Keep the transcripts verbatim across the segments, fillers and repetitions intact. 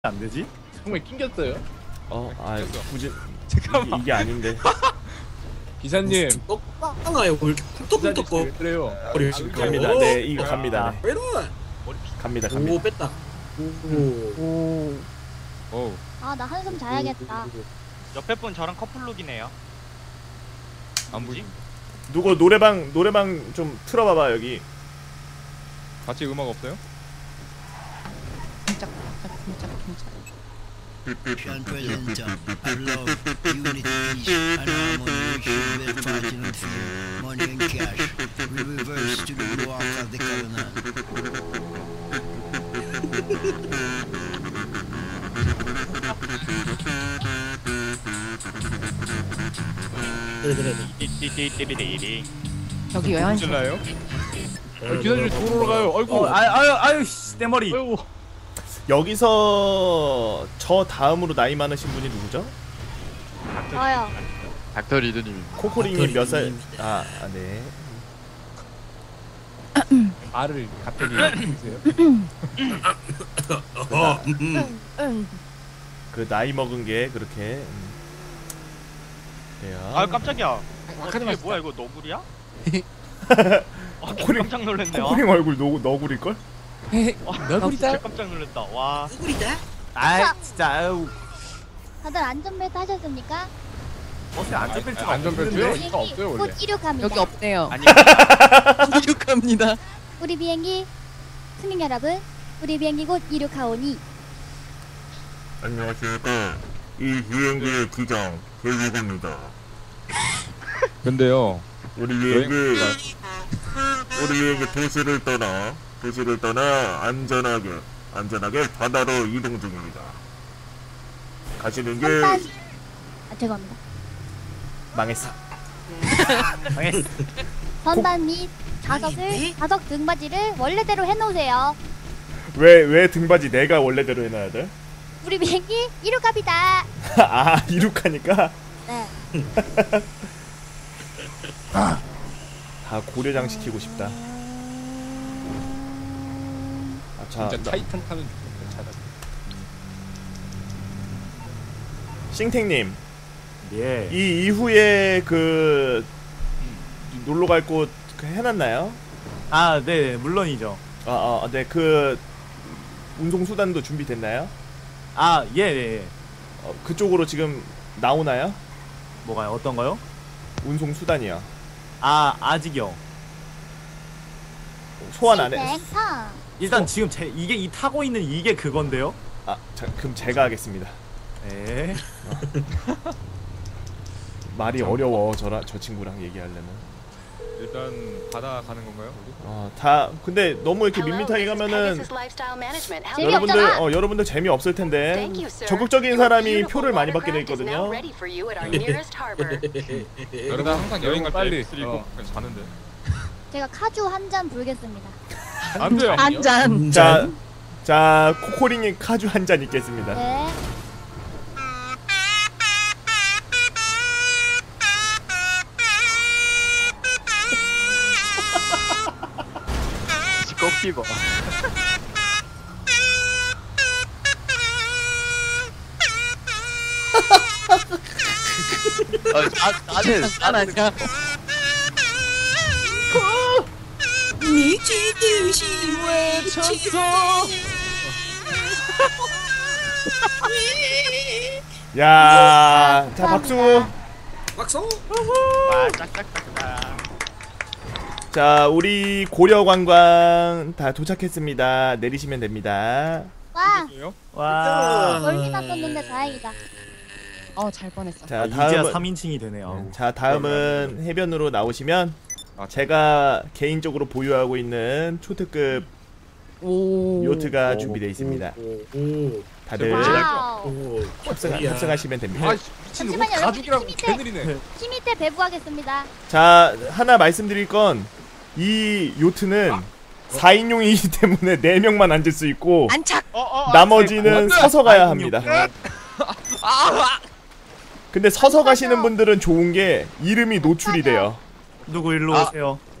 안 되지? 정말 낑겼어요. 어, 아, 굳이 잠깐만. 이게, 이게 아닌데. 기사님, 떡빵아요. 왜 이렇게 쿵떡쿵떡 거? 왜 그래요? 머리 지금 갑니다. 네, 이거 갑니다. 왜 이러? 갑니다. 오 갑니다. 뺐다. 오. 오. 아, 나 한숨 자야겠다. 옆에 분 저랑 커플룩이네요. 안 보이? 누구 노래방 노래방 좀 틀어봐봐 여기. 같이 음악 없어요? Sean presenter, I love unity, peace, and harmony. We should build fighting through money and cash. We reverse to the walk of the covenant. 그래 그래. 띠띠띠띠띠띠. 여기 왜 안 써? 질라요? 기사님 도로로 가요. 아이고. 어, 아, 아유, 아유, 씨, 내 머리. 아이고. 여기서 저 다음으로 나이 많으신 분이 누구죠? 저요. 닥터 리드님. 코코링이 몇 살? 아, 아 네. 알을 갑자기 주세요. 어. 응. 그 나이 먹은 게 그렇게. 음. 그래요. 아 깜짝이야. 아카데 이게 맛있다. 뭐야 이거 너구리야? 아 코코링- 깜짝 놀랐네요. 코코링 얼굴 너 너구릴 걸? 와, 진짜 깜짝 놀랐다. 와. 누구리다? 아, 진짜 아유. 다들 안전벨트 하셨습니까? 어떻게 안전벨트가 안전벨트요? 없는데? 이거 없어요 원래. 곧 이륙합니다. 여기 없대요. 아니 이륙합니다. 우리 비행기 승객 여러분, 우리 비행기 곧 이륙하오니. 안녕하십니까. 이 비행기의 기장 배우입니다. 근데요. 우리 비행기 우리 비행기 도시를 떠나 도시를 떠나 안전하게 안전하게 바다로 이동 중입니다. 가시는 길 선반. 아, 죄송합니다. 망했어. 망했어. 선반 및 좌석을 좌석 등받이를 원래대로 해놓으세요. 왜 왜 등받이 내가 원래대로 해놔야 돼? 우리 비행기 이륙합니다. 아, 이륙하니까 네. 다 고려장 시키고 싶다. 아, 자, 진짜 나- 타이탄 타는 차다. 싱탱님, 예. 이 이후에 그 놀러 갈 곳 해놨나요? 아, 네, 물론이죠. 아, 아, 네, 그 운송 수단도 준비됐나요? 아, 예, 예, 예. 어, 그쪽으로 지금 나오나요? 뭐가요? 어떤 거요? 운송 수단이요. 아, 아직요. 소환 안 해. 땡팡. 일단 지금 제 이게 이 타고 있는 이게 그건데요. 아, 자, 그럼 제가 하겠습니다. 예. 말이 어려워 저라 저 친구랑 얘기하려면. 일단 바다 가는 건가요? 어, 다 근데 너무 이렇게 밋밋하게 가면은 여러분들 재미없잖아. 어 여러분들 재미 없을 텐데 적극적인 사람이 표를 많이 받게 돼 있거든요. 그러다 항상 여행 갈 때 빨리. 엑스를 입고 그냥 자는데. 제가 카주 한 잔 불겠습니다. 안 돼요. 한 잔. 자, 자 코코링이 카주 한 잔 있겠습니다. 네. 꺾이고. 아, 나는 나는 아니야. 미치듯이 외쳤어. 야, 자 박수. 박수. 와 짝짝짝다. 자, 우리 고려관광 다 도착했습니다. 내리시면 됩니다. 와, 와. 멀리만 떴는데 다행이다. 어, 잘 뻔했어. 자, 아, 이제야 다음은 삼인칭이 되네요. 자, 다음은 해변으로 나오시면 아, 제가 개인적으로 보유하고 있는 초특급 오. 요트가 준비되어 있습니다. 오. 오. 다들 와우. 오. 협상, 야. 협상하시면 됩니다. 아 미친 옷 잠시만요, 가죽이랑 여기 개느리네. 키 밑에 배부하겠습니다. 자, 하나 말씀드릴 건 이 요트는 사 인용이기 때문에 네 명만 앉을 수 있고 안착. 어, 어, 나머지는 서서 가야 아, 합니다. 근데 서서 가시는 분들은 좋은 게 이름이 노출이 돼요. 누구 일로 아. 오세요?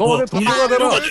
너네 동료가 되라. 어,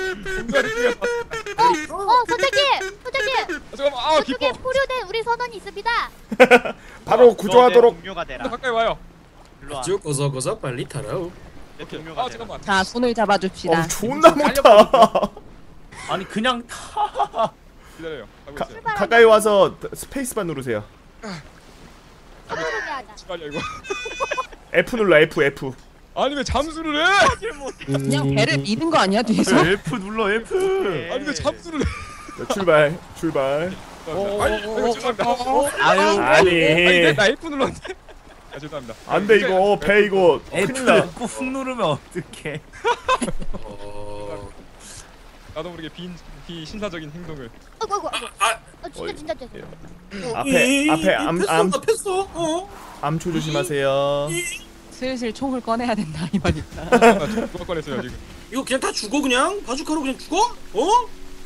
선생님! 선생님! 잠깐만. 아 저쪽에 기뻐. 포류된 우리 선원이 있습니다. 바로 구조하도록. 동료가 되라. 가까이 와요. 일로 와. 쭉 거서 거서 빨리 타라오. 내 동료가 아 되라. 잠깐만. 자, 손을 잡아줍시다. 어, 존나 못타. 아니 그냥 타. 기다려요. 가고 가, 있어요. 가까이 와서 스페이스바 누르세요. 포류게 하자. 빨리 이거. F 눌러 F F. 아니 왜 잠수를 해? 그냥 배를 미는 거 아니야, 뒤에서? F 눌러 F. 아니 왜 잠수를 해? 자, 출발 출발. 아니 이거 죄송합니다. 아유 아니 아니 나 F 눌렀는데. 아 죄송합니다. 안돼 이거 배 이거 F 큰일 나. 꾹 누르면 어떡해. 어... 나도 모르게 비 비신사적인 행동을. 아이고 아이고 아이고. 아, 아 진짜 진짜 죄송해요. 앞에 앞에 암 암 패어 어? 암초 조심하세요. 슬슬 총을 꺼내야 된다, 이 말이다. 나 누가 꺼냈어요 지금. 이거 그냥 다 죽어 그냥? 바주카로 그냥 죽어? 어?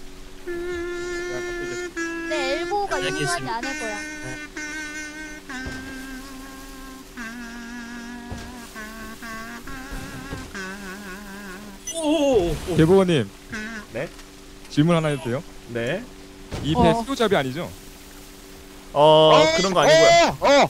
내 엘보가 알겠습니다. 유능하지 않을 거야. 오. 개보건님. 네? 질문 하나 해도 돼요? 네. 이 배 어. 수조잡이 아니죠? 어 그런 거 아니고요. 어.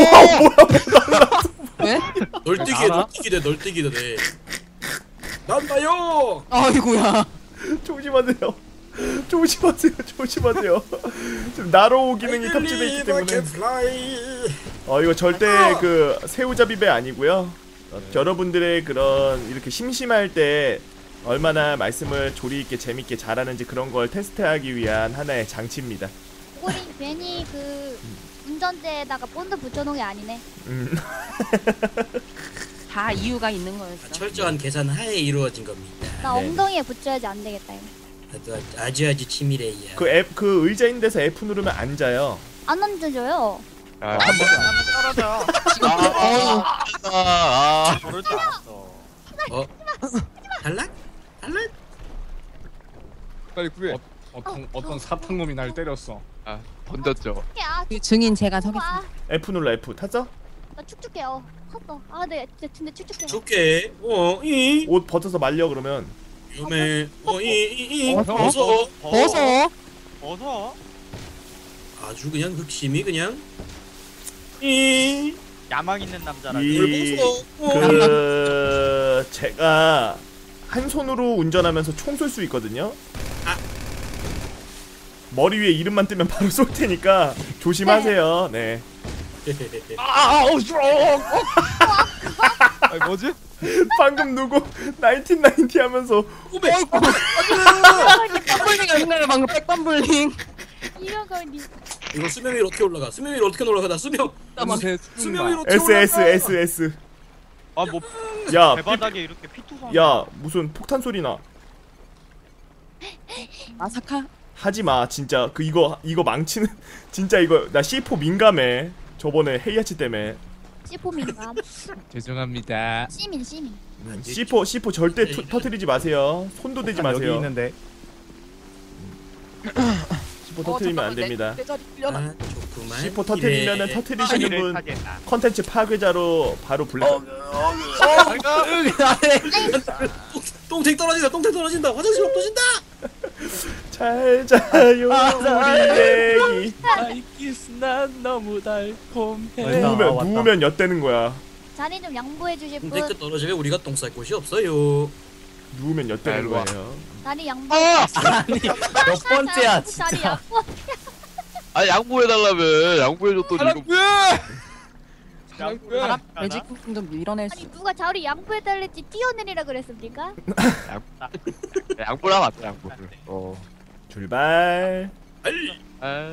왜? 널뛰기에 널뛰기 돼 널뛰기 돼. 난다요. 아이고야. 조심하세요. 조심하세요. 조심하세요. 지금 나로 기능이 탑재돼 있기 때문에. 어 이거 절대 그 새우잡이배 아니고요. 어, 여러분들의 그런 이렇게 심심할 때 얼마나 말씀을 조리 있게 재밌게 잘하는지 그런 걸 테스트하기 위한 하나의 장치입니다. 우리 괜히 그 운전대에다가 본드 붙여놓은 게 아니네. 음. 다 이유가 있는 거였어. 철저한 계산 하에 이루어진 겁니다. 나 네. 엉덩이에 붙여야지 안 되겠다 이거. 아주 아주 아주 치밀해요. 그 F 그 의자 있는 데서 F 누르면 앉아요. 안 얹어줘요. 아, 떨어져. 아, 아, 모를 줄 알았어. 어? 탈락? 탈락? 빨리 구해. 어, 어떤 어떤 사탕놈이 날 때렸어. 아, 던졌죠. 아, 그 증인 제가 아, 서겠습니다. F 눌러 F 탔어? 나 축축해요. 컸어. 아, 네, 근데, 근데 축축해. 좋게. 어, 이. 옷 벗어서 말려 그러면. 위험해. 어, 이, 이, 이. 벗어. 벗어. 벗어. 벗어. 아주 그냥 흑심이 그냥. 이. 야망 있는 남자라. 이 벗어. 어. 그 제가 한 손으로 운전하면서 총 쏠 수 있거든요. 아. 머리 위에 이름만 뜨면 바로 쏠 테니까 조심하세요. 네. 아, 어, 싫어. 아니 뭐지? 방금 누구 나인틴나인티 하면서 오백. 백반블링 아닌가요? 방금 백반블링. 이런 거니. 이거 수명 위로 어떻게 올라가? 수명 위로 어떻게 올라가? 나 수명. 새 수명 위로 어떻게 S 올라가? S S S. 아뭐 야, 배바닥에 이렇게 피투성. 피, 야 무슨 폭탄 소리 나. 마사카. 하지 마 진짜 그 이거 이거 망치는 진짜 이거 나 씨 포 민감해. 저번에 헤이아치 때문에. 씨포민감. 죄송합니다. 씨민 씨민. 씨 포 씨 포 절대 투, 터트리지 마세요. 손도 대지 여기 마세요. 있는데. 씨 포 터트리면 안 됩니다. 내 자리 빌려라. 아, 좋구만. 씨 포 터트리면은 이래. 터트리시는 이를 분 타겠다. 컨텐츠 파괴자로 바로 불러. 똥탱 떨어진다. 똥탱 떨어진다. 화장실 없어진다. 잘 자요 우리 애기. 아이키스 난 너무 달콤해. 누우면 아, 왔다. 누우면 엿대는 거야. 자리 좀 양보해 주실 분. 똥탱 떨어지면 우리가 똥 쌀 곳이 없어요. 누우면 엿대는 일로 와. 거예요. 자리 양보. 아니 몇 번째야 자리 진짜. 양보. 아, 양보해달라며. 양보해줬더니 이거. 사랑구야. 사랑구야. 매직품 좀 밀어낼 수. 아니 누가 자리 양보해 달랬지 뛰어내리라 그랬습니까? 양보를 하면 안 돼, 양보를. 어. 출발. 아.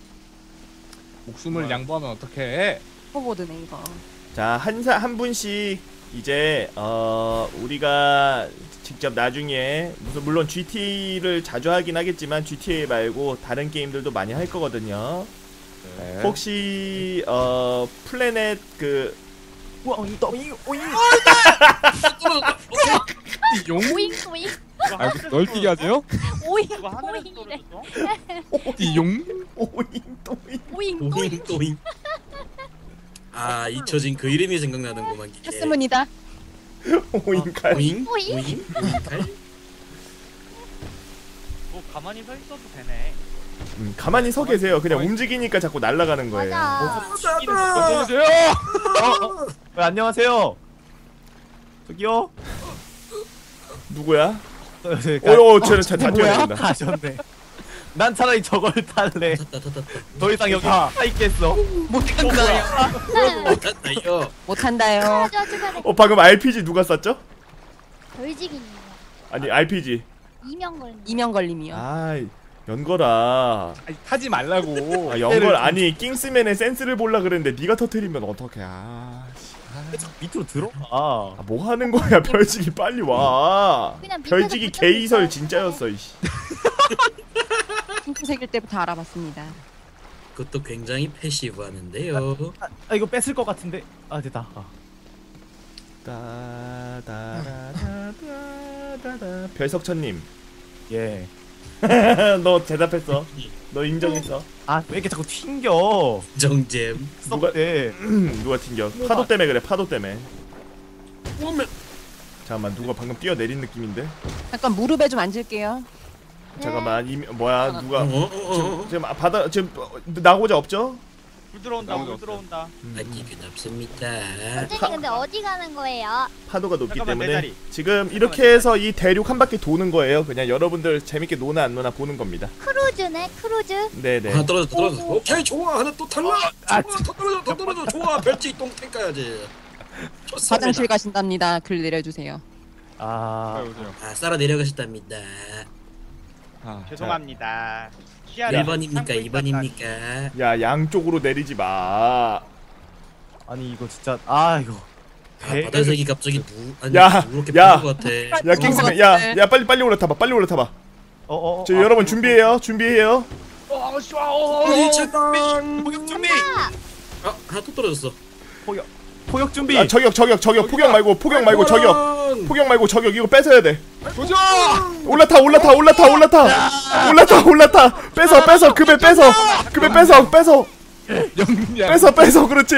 목숨을 양보하면 어떡해? 호보드네 이거. 자, 한 사 한 분씩 이제 어 우리가 직접 나중에 무슨 물론 지티를 자주 하긴 하겠지만 지티 말고 다른 게임들도 많이 할 거거든요. 네. 혹시 어 플래넷 그 오잉 오잉 오잉. 용? 오잉 오잉 아, 널뛰기 하세요? 오잉 이거 하늘에서 오잉이래. 떨어졌어? 용? 오잉 또잉. 오잉 또잉 오잉. 또잉. 아 잊혀진 그 이름이 생각나는구만. 이게. 했으문이다. 오인칼. 오잉? 오잉? 오잉? 오잉칼? 뭐 가만히 서 있어도 되네. 음, 가만히 서 계세요. 그냥 움직이니까 자꾸 날아가는 거예요. 맞아. 어서오세요. 어, 어. 네, 안녕하세요. 저기요. 누구야? 그러니까 오, 쟤는 잘 뛰어낸다. 가셨네. 난 차라리 저걸 탈래. 탔다 탔다 탔다. 더 이상 여기 타 있겠어. 못 탄다요. 못 탄다요. 못한다요. 축하해 축하해. 어, 방금 알피지 누가 쐈죠? 돌직이님. 아니, 알피지. 이명걸. 이명걸님이요. 아, 연거라. 아니, 타지 말라고. 아, 연걸 아니, 킹스맨의 센스를 볼라 그랬는데 네가 터트리면 어떡해. 아, 씨. 밑으로 들어가. 아, 뭐 하는 거야? 별직이 빨리 와. 그냥 밑에서 별직이 붙잡고 개이설 있어요. 진짜였어, 이씨. 핑크색일 때부터 알아봤습니다. 그것도 굉장히 패시브하는데요. 아, 아 이거 뺏을 것 같은데. 아 됐다. 아. 따다다다다다다. 별석천님. 예. 너 대답했어. 너 인정했어. 아 왜 이렇게 자꾸 튕겨? 정잼. 누가 썩대. 누가 튕겨? 파도 때문에 그래. 파도 때문에. 잠깐만 누가 방금 뛰어내린 느낌인데? 잠깐 무릎에 좀 앉을게요. 잠깐만 이 뭐야 누가 어, 어, 어, 지금, 어. 지금 아, 바다 지금 어, 나고자 없죠? 물 들어온다. 물 들어온다. 아, 기분 없습니다. 선생님 근데 어디 가는 거예요? 파도가 높기 잠깐만, 내 때문에 다리. 지금 이렇게 해서 이 대륙 한 바퀴 도는 거예요. 그냥 여러분들 재밌게 노나 안 노나 보는 겁니다. 크루즈네 크루즈. 네네. 하나 떨어졌어 떨어졌어. 오케이 좋아 하나 또 탈락. 아, 좋아 더 떨어져 더 떨어져 좋아 별지 똥탱 까야지. 좋습니다. 화장실 가신답니다. 글 내려주세요. 아. 빨리 오세요. 아 쌀아 내려가셨답니다. 아, 죄송합니다. 일 번입니까 이 번입니까? 야 양쪽으로 내리지 마. 아니 이거 진짜 아 이거. 아 바다색이 갑자기 누 아니 야, 누렇게 야. 보는 것 같아. 야 킹스맨 야야 빨리 빨리 올라타봐. 빨리 올라타봐. 어어. 저 여러분 준비해요. 준비해요. 어이 잠깐. 목욕 준비. 아 하나 또 떨어졌어. 포격. 포격 준비. 아 저격 저격 저격 포격 말고 포격 말고 저격. 포격 말고 저격 이거 뺏어야 돼. 도전. 올라타 올라타 올라타 올라타 올라타 올라타 뺏어 뺏어 급에 뺏어 급에 뺏어 뺏어 영리야. 뺏어 뺏어 그렇지.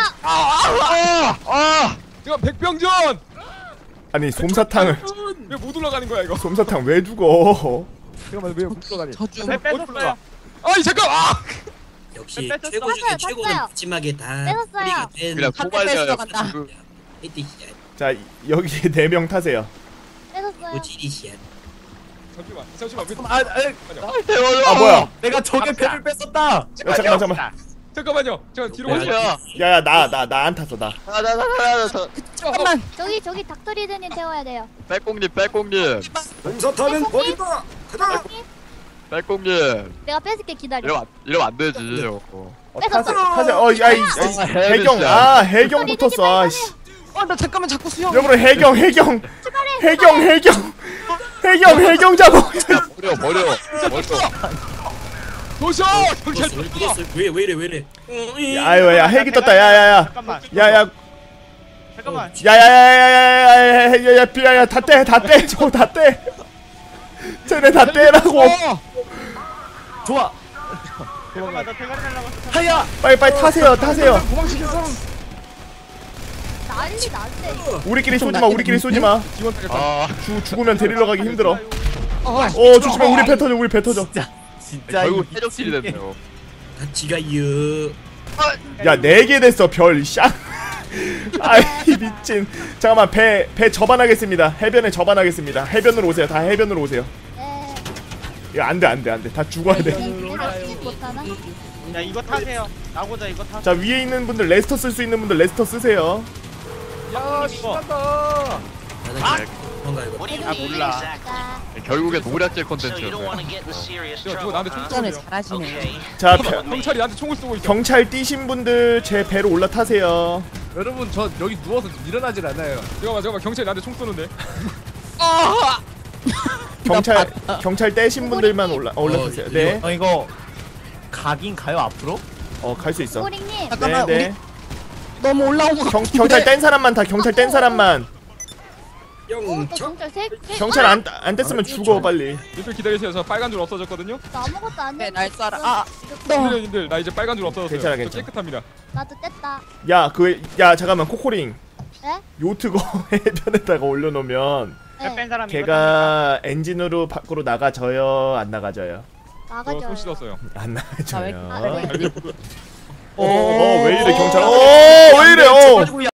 아, 아, 지금 백병전. 아니 솜사탕을 왜 못 올라가는 거야 이거? 솜사탕 왜 죽어? 잠깐만 왜못 들어가니? 저주. 네, 뺐었어요. 아이 잠깐. 아. 역시 뺐었어. 최고 중에 뺐어요, 최고는 뺐어요. 푸짐하게 다 뺐었어요. 뿌리가 된 그냥 한대 뺏어 간다. 히트샷 자 여기 네 명 타세요. 뺏었어요. 오지리샷. 잠시만 잠시만 왜? 아, 아, 아 뭐야? 내가 적의 패를 뺐었다. 야, 잠깐만 잠깐만. 잠깐만요. 잠깐 뒤로 야, 가세요. 야야 나 나 나 안 탔어 나. 잠깐만. 저기 저기 닥터리드님 태워야 돼요. 빼꽁님 빼꽁님 공사타는 버린다. 가자. 빼꽁님 내가 뺏을게 기다려. 이러면 안, 이러면 안 되지 어, 타세 타세 어야이 해경 아 해경 붙었어. 아씨. 어나 잠깐만 자꾸 수영. 여러분 해경 해경 해경 해경 해경 해경 잡아. 버려 버려 버려 도전. 경찰. 왜왜 이래 왜 이래? 아유 야 헬기 떴다 야야야 잠깐만. 야야 잠깐만. 야야야야야야야야야 야야 다떼다떼 저거 다떼 쟤네 다 떼라고. 좋아. 잠깐만 나 대가리 날라갔어. 하야. 빨리 빨리 타세요 타세요. 도망치겠어. 난리 났네. 우리끼리 쏘지 마 우리끼리 쏘지 마. 지원 타겠다. 아 죽 죽으면 데리러 가기 힘들어. 어, 어 조심해 우리 배 터져 우리 배 터져. 진짜 진짜 결국 이 해적질이 됐네요 같이 가요. 야 네 개 됐어 별 쌍. 아이 미친. 잠깐만 배 배 접안하겠습니다. 해변에 접안하겠습니다. 해변으로 오세요. 다 해변으로 오세요. 네. 이거 안돼 안돼 안돼 다 죽어야 돼. 내가 집 못하나? 야 이거 타세요. 나고자 이거 타. 자 위에 있는 분들 레스터 쓸 수 있는 분들 레스터 쓰세요. 야 신난다. 아 뭔가 이거. 아 몰라. 결국에 노략질 컨텐츠였네 야 누가 나한테 총 운전을 쏘네요. 잘하시네. 자 펴- 경찰이 나한테 총을 쏘고 있어. 경찰 뛰신 분들 제 배로 올라타세요. 여러분 저 여기 누워서 일어나질 않아요. 잠깐만 잠깐만 경찰이 나한테 총 쏘는데. 경찰 경찰 떼신 분들만 올라 어, 올라타세요. 어, 네. 어 이거 가긴 가요 앞으로? 어 갈 수 있어. 꼬링님. 잠깐만 네, 우리 네. 너무 올라온 거 경 같은데. 경찰 뗀 사람만 타. 경찰 뗀 사람만. 어, 또 영차. 경찰 세 세. 경찰 안 안 뗐으면 죽어 빨리. 님들 기다리세요. 저 빨간 줄 없어졌거든요. 나 아무것도 안 네, 해. 날 쏴라. 아, 너. 님들 님들 나 이제 빨간 줄 없어졌어요. 괜찮아, 저 괜찮아. 깨끗합니다. 나도 뗐다. 야 그 야 잠깐만 코코링. 네? 네? 요트거 해변에다가 올려놓으면 네. 뺀 사람이 걔가 엔진으로 밖으로 나가져요? 안 나가져요? 나가죠. 저손 씻었어요. 안 나가져요. 아, 네. 어, 어, 왜 이래 경찰? 어, 왜 이래? 어.